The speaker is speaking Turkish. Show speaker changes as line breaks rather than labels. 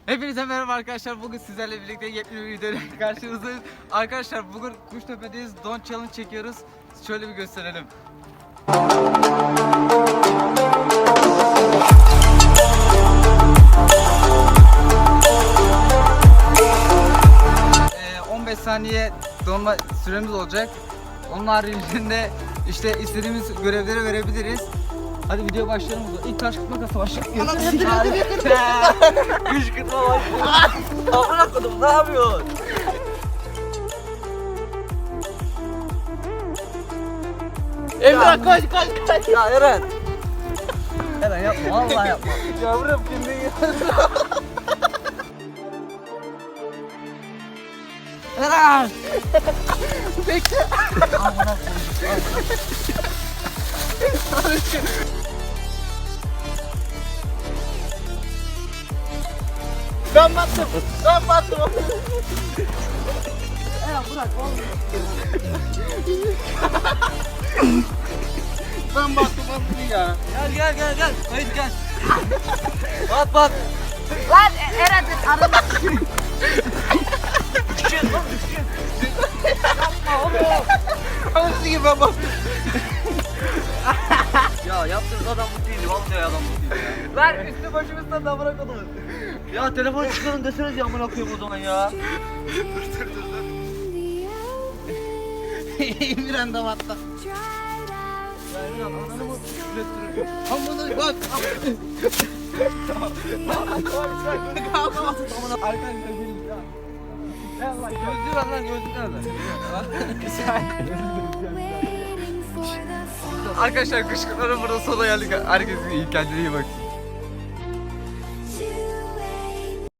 Hepinize merhaba arkadaşlar. Bugün sizlerle birlikte yepyeni bir videoyla karşınızdayız. Arkadaşlar bugün Kuştepe'deyiz. Don Challenge çekiyoruz. Şöyle bir gösterelim. 15 saniye donma süremiz olacak. Onun haricinde işte istediğimiz görevleri verebiliriz. Hadi video başlayalım o zaman. İlk taş kırık makası başlayalım.
Kışkırtma başlıyor. Amına kodum ne yapıyorsun?
Emre koş.
Ya Eren. Eren yapma vallahi yapma.
Yavrum kendine gel.
Eren.
Bekle.
Amına
Ben battım.
Eren bırak vallahi.
Ben battım ya.
Gel. Haydi gel. Bat.
Lan Eren arada.
Düşün. Yapma oğlum.
Anası gibi ben battım.
Ya yaptığınız adam bu değildi. Vallahi adam bu değildi ya.
Lan üstü başımızdan da bırakalım.
Ya telefonu çıkarın deseniz ya amına koyayım o zaman ya.
Emirhan da battı.
Ya Eren ananı mı ürettiriyor?
Amına bak. Arkadaşlar gelin ya. Allah gözlüğü var lan gözlüğü nerede? Arkadaşlar kışkırtmanın burada sona geldik. Herkes iyi kendine iyi bak.